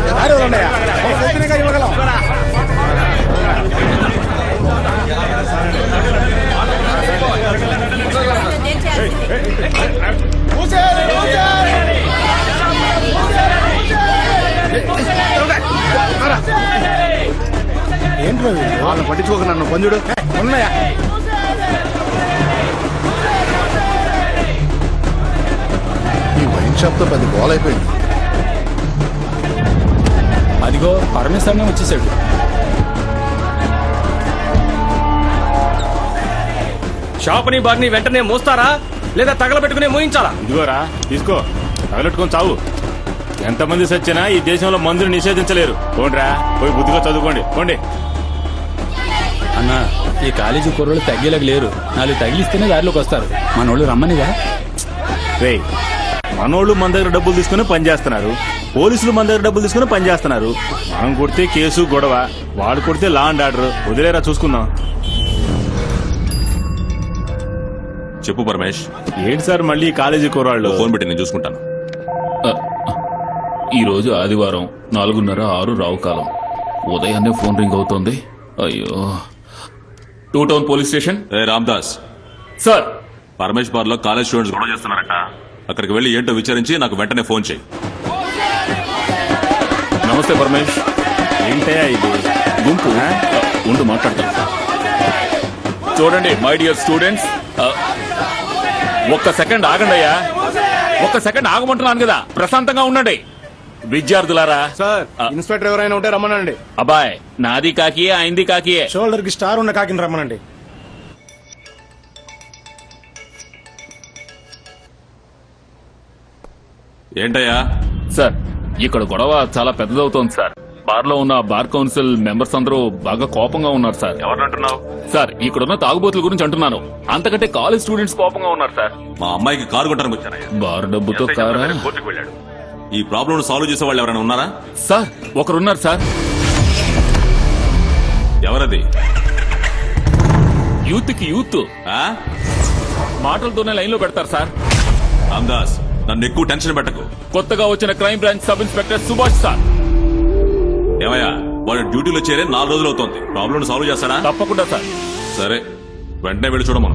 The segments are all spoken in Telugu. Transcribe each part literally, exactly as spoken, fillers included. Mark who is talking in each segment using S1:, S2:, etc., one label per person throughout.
S1: ఏంటి వాళ్ళని పట్టించుకోక నన్ను పంజుడు ఉన్నాయా? ఈ వైన్ షాప్ తో పెద్ద గోల్ అయిపోయింది.
S2: అదిగో పరమేశ్వరనే వచ్చేసాడు.
S3: షాపుని బార్ని వెంటనే మోస్తారా లేదా తగలబెట్టుకునే మోయించాలా?
S4: ఇదిగోరా తీసుకో, తగలెట్టుకొని చావు. ఎంతమంది సచ్చినా ఈ దేశంలో మందుని నిషేధించలేరు. పోండ్రా, పోయి బుద్ధిగా చదువుకోండి. పోండి
S2: అన్న, ఈ కాలేజీ కుర్రోళ్ళు తగ్గేలాగా లేరు. నాలుగు తగిలిస్తేనే దారిలోకి వస్తారు. మనోళ్ళు రమ్మనిగా.
S4: రే, మనోళ్ళు మన దగ్గర డబ్బులు తీసుకుని పనిచేస్తున్నారు, పోలీసులు మన దగ్గర డబ్బులు తీసుకుని పనిచేస్తున్నారు. మనం కొడితే కేసు గొడవ, వాడు కొడితే లా అండ్ ఆర్డర్. వదిలేరా, చూసుకుందాం.
S5: చెప్పు పరమేష్.
S4: ఏంటి సార్ మళ్ళీ కాలేజీ కుర్రాళ్ళు?
S5: ఫోన్ పెట్టి నేను చూసుకుంటాను.
S6: ఈ రోజు ఆదివారం, నాలుగున్నర ఆరు రావు కాలం. ఉదయాన్నే ఫోన్ రింగ్ అవుతోంది. అయ్యో. Two town police station.
S5: ఏ రామ్దాస్
S6: సార్,
S5: పరమేష్ బార్ లో కాలేజ్ స్టూడెంట్స్ గొడవ చేస్తున్నారట. అక్కడికి వెళ్లి ఏంటో విచారించి నాకు వెంటనే ఫోన్ చేయి.
S6: నమస్తే పరమేష్.
S4: ఏంటయ్యా ఇది?
S6: గుంపు ఉండు, మాట్లాడతాను. చూడండి మై డియర్ స్టూడెంట్స్, ఒక్క సెకండ్ ఆగండి అయ్యా. ఒక్క సెకండ్ ఆగమంటున్నాను కదా, ప్రశాంతంగా ఉండండి. విద్యార్థులారా,
S1: సార్ ఇన్స్పెక్టర్ ఎవరైనా ఉంటే రమ్మనండి.
S6: అబ్బాయ్, నాది కాకియే, అయింది కాకియే.
S1: షోల్డర్ కి స్టార్ ఉన్న కాకిని రమ్మనండి.
S5: ఏంటయ్యా?
S6: సార్, ఇక్కడ గొడవ చాలా పెద్దదవుతోంది సార్. బార్ లో ఉన్న బార్ కౌన్సిల్ మెంబర్స్ అందరూ బాగా కోపంగా ఉన్నారు సార్.
S5: ఎవరంటున్నావు?
S6: సార్, ఇక్కడున్న తాగుబోతుల గురించి అంటున్నాను. అంతకంటే కాలేజ్ స్టూడెంట్స్ కోపంగా ఉన్నారు సార్.
S5: మా అమ్మాయికి కారు కొట్టడానికి వచ్చానయ్యా.
S6: బార్ డబ్బుతో కారా?
S5: కోర్టుకు వెళ్ళాడు. ఈ ప్రాబ్లం సాల్వ్ చేసే వాళ్ళు ఎవరైనా ఉన్నారా?
S6: సార్, ఒకరున్నారు సార్.
S5: ఎవరది?
S6: యూత్ కి యూత్
S5: ఆ?
S6: మాటలతోనే లైన్ లో పెడతారు సార్.
S5: రామ్దాస్, నన్ను ఎక్కువ టెన్షన్ పెట్టకు.
S6: కొత్తగా వచ్చిన crime branch sub inspector Subhash sir.
S5: ఏమయ్యా, వాడు డ్యూటీలో చేరే నాలుగు రోజులు అవుతోంది. ప్రాబ్లం సాల్వ్ చేస్తాడా?
S6: తప్పకుండా సార్.
S5: సరే, వెంటనే వెళ్ళి చూడమను.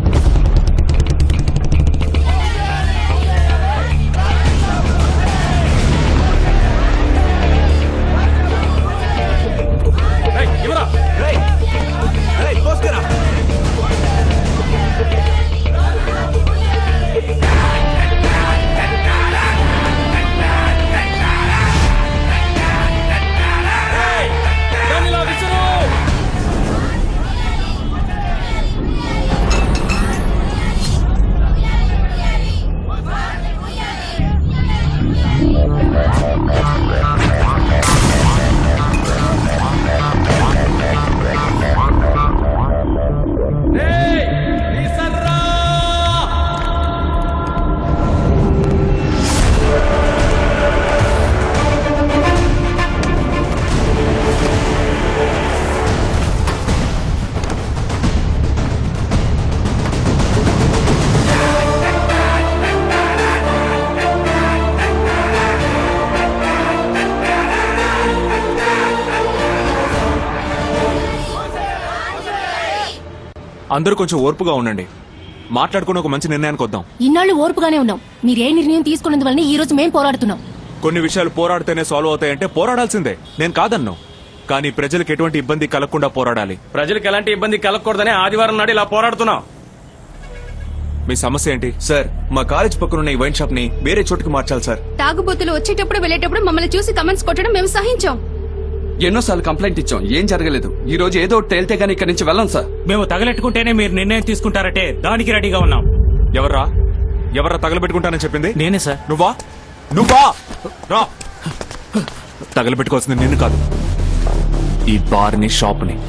S7: అందరూ కొంచెం ఓర్పుగా ఉండండి. మాట్లాడుకుని ఒక మంచి నిర్ణయానికి వద్దాం.
S8: ఇన్నాళ్ళు ఓర్పుగానే ఉన్నాం. మీరు ఏ నిర్ణయం తీసుకున్నందువల్ల ఈ రోజు మేం పోరాడుతున్నాం.
S7: కొన్ని విషయాలు పోరాడితేనే సాల్వ్ అవుతాయంటే పోరాడాల్సిందే, నేను కాదన్నాను. కానీ ప్రజలకు ఎటువంటి ఇబ్బంది కలగకుండా పోరాడాలి.
S3: ప్రజలకు ఎలాంటి ఇబ్బంది కలగకూడదని ఆదివారం నాడు ఇలా పోరాడుతున్నాం.
S7: మీ సమస్య ఏంటి? సార్, మా కాలేజ్ పక్కనున్న ఈ వైన్ షాప్ ని వేరే చోటుకి మార్చాలి సార్.
S8: తాగుబోతులు వచ్చేటప్పుడు వెళ్ళేటప్పుడు మమ్మల్ని చూసి కమెంట్స్ కొట్టడం మేము సహించాం.
S9: ఎన్నోసార్లు కంప్లైంట్ ఇచ్చాం, ఏం జరగలేదు. ఈ రోజు ఏదో తేలితే గానీ ఇక్కడి నుంచి వెళ్ళం సార్.
S3: మేము తగలెట్టుకుంటేనే మీరు నిర్ణయం తీసుకుంటారంటే దానికి రెడీగా ఉన్నాం.
S7: ఎవర్రా ఎవర్రా తగలబెట్టుకుంటానని చెప్పింది?
S3: నేనే సార్.
S7: నువ్వా నువ్వా రా. తగలబెట్టుకోవాల్సింది నిన్ను కాదు, ఈ బార్ ని, షాప్ ని.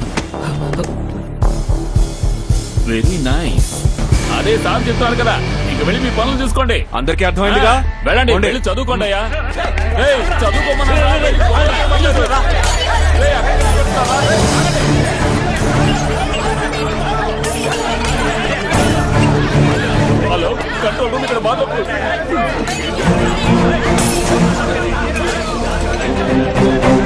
S6: Very nice. అదే సార్ చెప్తాను కదా, ఇంక వెళ్ళి మీ పనులు చూసుకోండి.
S7: అందరికీ అర్థమైందిగా?
S6: వెళ్ళండి, వెళ్ళి చదువుకోండి అయ్యా. చదువుకోమన్నా. హలో, కంట్రోల్ రూమ్ ఇక్కడ బాగా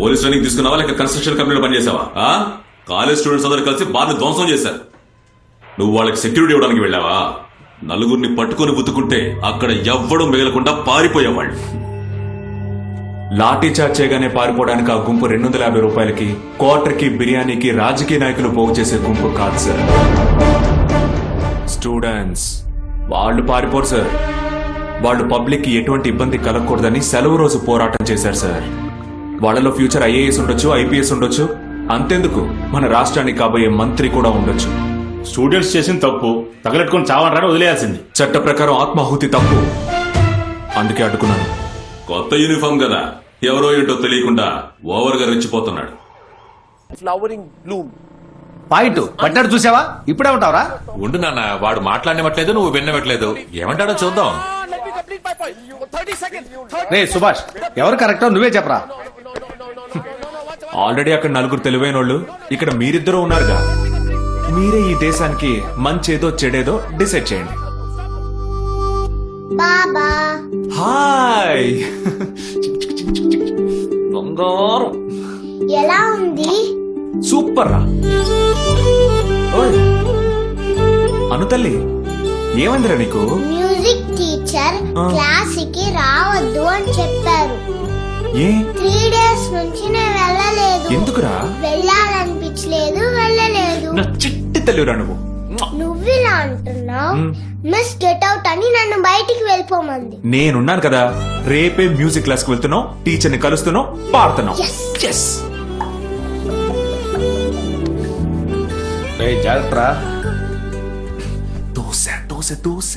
S5: పోలీస్ ట్రైనింగ్ తీసుకున్నావా లేక కన్స్ట్రక్షన్ కంపెనీలో పనిచేసావా ఆ? కాలేజ్ స్టూడెంట్స్ అందరూ కలిసి బార్ని ధ్వంసం చేశారు. నువ్వు వాళ్ళకి సెక్యూరిటీ ఇవ్వడానికి వెళ్ళావా? నలుగురిని పట్టుకొని బుద్దుకుంటే అక్కడ ఎవ్వడం మిగలకుండా పారిపోయేవాళ్ళు.
S7: లాఠీ చార్జ్ చేయగానే పారిపోవడానికి ఆ గుంపు రెండు వందల యాభై రూపాయలకి క్వార్టర్కి బిర్యానీకి రాజకీయ నాయకులు పోగు చేసే గుంపు కాదు సార్. స్టూడెంట్స్ వాళ్ళు పారిపోరు సార్. వాళ్ళు పబ్లిక్ కి ఎటువంటి ఇబ్బంది కలగకూడదని సెలవు రోజు పోరాటం చేశారు సార్. వాళ్ళలో ఫ్యూచర్ ఐఏఎస్ ఉండొచ్చు, ఐపీఎస్ ఉండొచ్చు, అంతెందుకు మన రాష్ట్రానికి కాబోయే మంత్రి కూడా ఉండొచ్చు.
S4: స్టూడెంట్స్ చేసిన తప్పు తగలెట్టుకొని చావనరా వదిలేయాల్సింది.
S7: చట్ట ప్రకారం ఆత్మాహుతి తప్పు, అందుకే అడ్డుకున్నాను.
S5: కొత్త యూనిఫామ్ కదా, ఎవరో ఏంటో తెలియకుండా ఓవర్ గా రెచ్చిపోతున్నాడు.
S1: ఫ్లవరింగ్ బ్లూమ్ పాయింట్ పట్టాడు చూసావా? ఇప్పుడే ఉంటావరా?
S6: ఉండు నాన్న, వాడు మాట్లాడనివ్వట్లేదు, నువ్వు విన్నవట్లేదు. ఏమంటాడో చూద్దాం.
S1: రే సుభాష్, ఎవరు కరెక్టో నువ్వే చెప్పరా.
S7: ఆల్రెడీ అక్కడ నలుగురు తెలివైన వాళ్ళు, ఇక్కడ మీరిద్దరూ ఉన్నారుగా. మీరే ఈ దేశానికి మంచేదో చెడేదో డిసైడ్ చేయండి.
S10: బాబా
S7: హాయ్ బంగారం,
S10: ఎలా ఉంది?
S7: సూపర్ రా. ఓయ్ అను తల్లి, ఏమైందిరా నీకు?
S10: మ్యూజిక్ టీచర్ క్లాస్ కి రావద్దు అని చెప్పారు.
S7: ఏ
S10: త్రీ డేస్ నుంచి నేను వెళ్ళలేదు.
S7: ఎందుకురా?
S10: వెళ్ళాలనిపించలేదు, వెళ్ళలేదు.
S7: నా చిట్టి తల్లిరా నువ్వు.
S10: నువ్వు ఇలా అంటున్నావు. మిస్ గెట్ అవుట్ అని నన్ను బయటికి వెళ్ళిపోమంది.
S7: నేనున్నాను కదా, రేపే మ్యూజిక్ క్లాస్ కి వెళ్తున్నావు, టీచర్ ని కలుస్తున్నావు, పాడుతున్నావు. Yes.
S1: జాగ్రత్త.
S7: దోశ దోశ దోశ.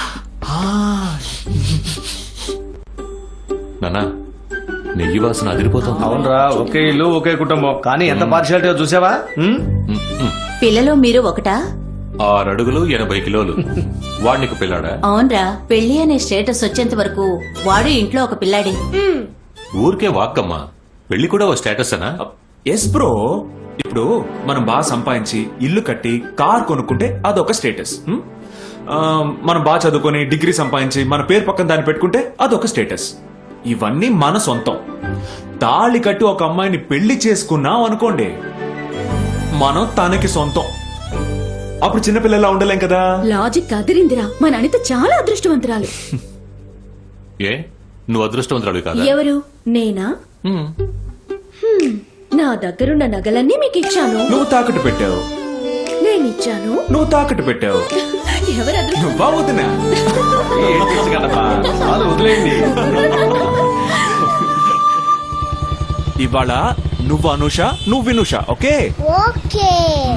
S6: నాన్న, నెయ్యి వాసన అదిరిపోతుంది.
S1: అవునరా, ఒకే ఇల్లు ఒకే కుటుంబం, కానీ ఎంత పార్షియాలిటీ చూసావా? ఉమ్?
S8: పిల్లలో మీరు ఒకటా?
S6: ఆరు అడుగులు ఎనభై కిలోలు. వాడికి పిల్లాడా?
S8: అవునరా, పెళ్లి అనే స్టేటస్ వచ్చేంత వరకు వాడు ఇంట్లో ఒక పిల్లాడే.
S6: ఊరికే వాక్కమ్మా, పెళ్లి కూడా ఓ స్టేటస్ అనా?
S7: Yes bro. ఇప్పుడు మనం బాగా సంపాదించి ఇల్లు కట్టి కార్ కొనుక్కుంటే అదొక స్టేటస్. హ్మ్? ఆ, మనం బాగా చదువుకొని డిగ్రీ సంపాదించి మన పేరు పక్కన దాన్ని పెట్టుకుంటే అదొక స్టేటస్. ఇవన్నీ మన సొంతం. తాళి కట్టి ఒక అమ్మాయిని పెళ్లి చేసుకున్నాం అనుకోండి, మనం తనకి సొంతం. అప్పుడు చిన్నపిల్లలా ఉండలేం కదా.
S8: లాజిక్ అదిరిందిరా. మన అనిత చాలా అదృష్టవంతురాలు.
S6: ఏ నువ్వు అదృష్టవంతురాలు కాదా?
S8: ఎవరు? నేనా?
S6: హ్మ్.
S8: హ్మ్, నా దగ్గరున్న నగలన్నీ మీకు ఇచ్చాను.
S7: నువ్వు తాకట్టు పెట్టావు.
S8: నేనిచ్చాను.
S7: నువ్వు తాకట్టు పెట్టావు.
S8: ఎవరు అదృష్టం?
S7: నువ్వా వదినా?
S1: ఏం తెలుసు కదమ్మా, చాలు వదిలేయండి.
S7: ఇవాళ నువ్వు అనుష, నువ్వు Vinusha. Okay
S10: okay.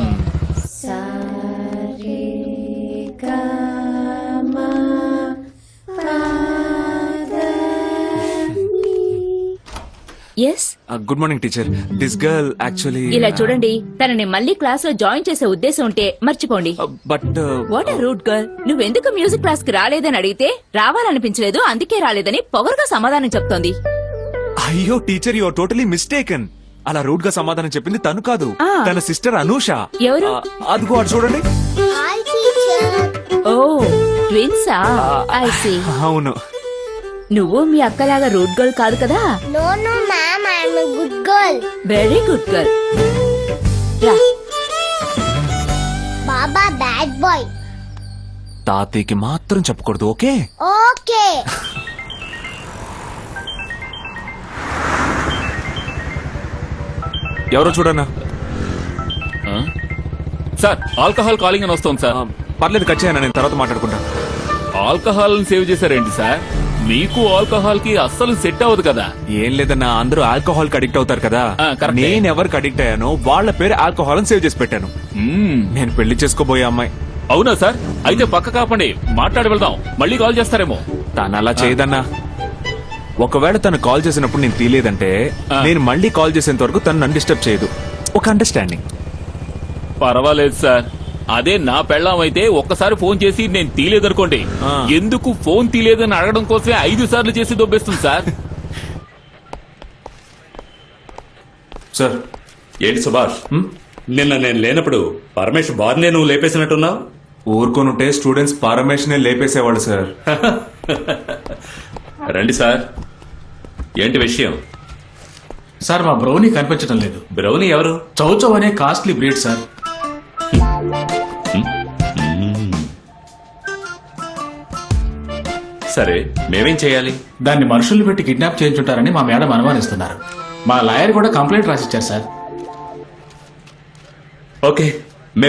S8: Yes.
S7: Good morning teacher. This girl actually
S8: ఇలా చూడండి, తనని మళ్ళీ క్లాస్ లో జాయిన్ చేసే ఉద్దేశం ఉంటే మర్చిపోండి.
S7: But
S8: what are rude girl. నువ్వెందుకు మ్యూజిక్ క్లాస్ కి రాలేదని అడిగితే రావాలనిపించలేదు, అందుకే రాలేదని పొగరుగా సమాధానం చెప్తోంది.
S7: అయ్యో teacher, you are totally mistaken. అలా రూట్ గా సమాధానం చెప్పింది తను కాదు,
S8: ఆ.
S7: తన సిస్టర్ అనూష.
S8: ఎవరు?
S7: ఆ, అదిగో అటు చూడండి.
S10: Hi teacher.
S8: ఓ ట్విన్సా? I see.
S7: అవును.
S8: నువ్వు మీ అక్కలాగా రూట్ గర్ల్ కాదు కదా?
S10: No no ma'am, I am a good girl.
S8: Very good girl. రా.
S10: బాబా బ్యాడ్ బాయ్.
S7: తాతయ్యకి మాత్రం చెప్పకూడదు. Okay
S10: okay.
S7: ఎవరో చూడన్నా.
S6: ఆ? సార్, ఆల్కహాల్ కాలింగ్ అని వస్తుంది సార్.
S7: ఆ, పర్లేదు, కట్ చేయనా, నేను తర్వాత మాట్లాడుకుంటా.
S6: ఆల్కహాల్ సేవ్ చేశారేంటి సార్? మీకు ఆల్కహాల్ కి అస్సలు సెట్ అవ్వదు కదా.
S7: ఏం లేదన్నా, అందరూ ఆల్కహాల్ కి అడిక్ట్ అవుతారు కదా.
S6: ఆ, కరెక్టే.
S7: నేను ఎవరికి అడిక్ట్ అయ్యానో వాళ్ళ పేరు ఆల్కహాల్ అని సేవ్ చేసి పెట్టాను.
S6: మ్మ్.
S7: నేను పెళ్లి చేసుకోబోయే అమ్మాయి.
S6: అవునా సార్? అయితే పక్క కాపండి, మాట్లాడి వెళ్దాం. మళ్ళీ కాల్ చేస్తారేమో.
S7: తను అలా చేయదన్నా. ఒకవేళ తను కాల్ చేసినప్పుడు నేను తీయలేదంటే
S6: ఆ.
S7: నేను మళ్ళీ కాల్ చేసేంత వరకు తను నన్ను డిస్టర్బ్ చేయదు. ఒక అండర్స్టాండింగ్.
S6: పర్వాలేదు సార్. అదే నా పెళ్ళాం అయితే ఒక్కసారి ఫోన్ చేసి నేను తీయలేదనుకోండి,
S7: ఆ.
S6: ఎందుకు ఫోన్ తీయలేదని అడగడం కోసమే ఐదు సార్లు చేసి దొబ్బేస్తుంది సార్.
S7: సార్.
S11: ఏంటి సుభాష్, నిన్న నేను లేనప్పుడు పరమేష్ బార్నే నువ్వు లేపేసినట్టున్నావు.
S7: ఊరుకోనుంటే స్టూడెంట్స్ పరమేశ్వర్ నే లేపేసేవాళ్ళు సార్.
S11: రండి సార్, ఏంటి విషయం?
S2: సార్ మా బ్రౌనీ కనిపించడం లేదు.
S11: బ్రౌనీ ఎవరు?
S2: చౌచౌ అనే కాస్ట్లీ బ్రీడ్ సార్.
S11: సరే మేమేం చేయాలి?
S2: దాన్ని మనుషుల్ని పెట్టి కిడ్నాప్ చేయించుంటారని మా మేడం అనుమానిస్తున్నారు. మా లాయర్ కూడా కంప్లైంట్ రాసిచ్చారు సార్.
S11: ఓకే